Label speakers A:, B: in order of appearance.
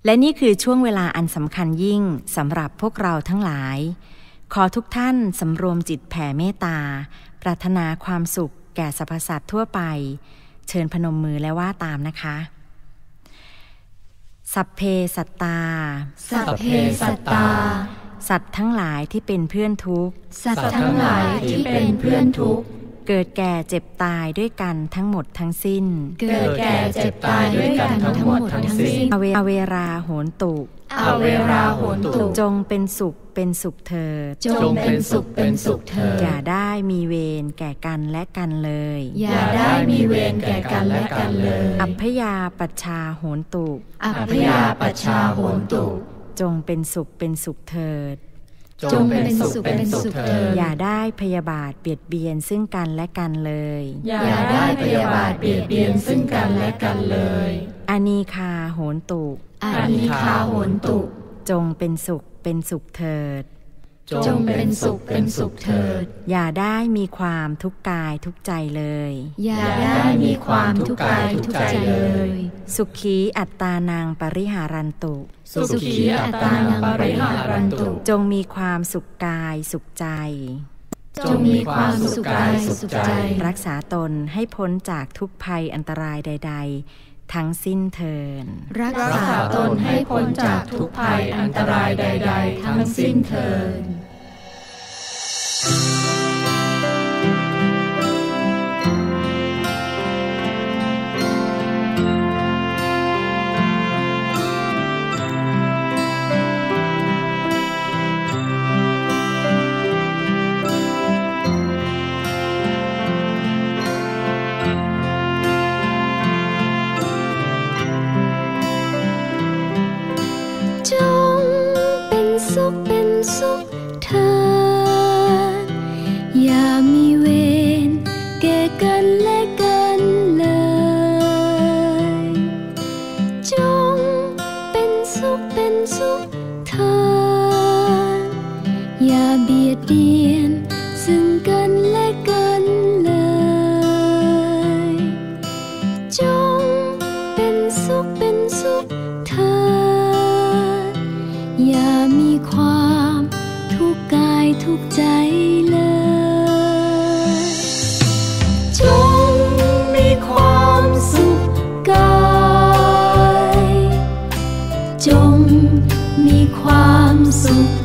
A: และนี่คือช่วงเวลาอันสำคัญยิ่งสำหรับพวกเราทั้งหลายขอทุกท่านสำรวมจิตแผ่เมตตาปรารถนาความสุขแก่สรรพสัตว์ทั่วไปเชิญพนมมือและว่าตามนะคะสัพเพสัตตา
B: สัพเพสัตตา
A: สัตว์ทั้งหลายที่เป็นเพื่อนทุกข์
B: สัตว์ทั้งหลายที่เป็นเพื่อนทุกข์
A: เกิดแก่เจ็บตายด้วยกันทั้งหมดทั้งสิ้น
B: เกิดแก่เจ็บตายด้วยกันทั้งหมดทั้งสิ้น
A: อเวราโหนตุ
B: อเวราโหนตุ
A: จงเป็นสุขเป็นสุขเถิด
B: จงเป็นสุขเป็นสุขเถิด
A: อย่าได้มีเวรแก่กันและกันเลย
B: อย่าได้มีเวรแก่กันและกันเลย
A: อัพพยาปัชชาโหนตุ
B: อัพพยาปัชชาโหนตุ
A: จงเป็นสุขเป็นสุขเถิด
B: จงเป็นสุขเป็นสุขเถิด
A: อย่าได้พยาบาทเบียดเบียนซึ่งกันและกันเลย
B: อย่าได้พยาบาทเบียดเบียนซึ่งกันและกันเลย
A: อนีคาโหนตุ
B: อนีคาโหนตุ
A: จงเป็นสุขเป็นสุขเถิด
B: จงเป็นสุขเป็นสุขเถิด
A: อย่าได้มีความทุกข์กายทุกข์ใจเลย
B: อย่าได้มีความทุกข์กายทุกข์ใจเลย
A: สุขีอัตตานังปริหารันตุ
B: สุขีอัตตานังปริหารันตุ
A: จงมีความสุขกายสุขใจ
B: จงมีความสุขกายสุขใจ
A: รักษาตนให้พ้นจากทุกภัยอันตรายใดๆทั้งสิ้นเถิด
B: รักษาตนให้พ้นจากทุกภัยอันตรายใดๆทั้งสิ้นเถิดจงมีความสุข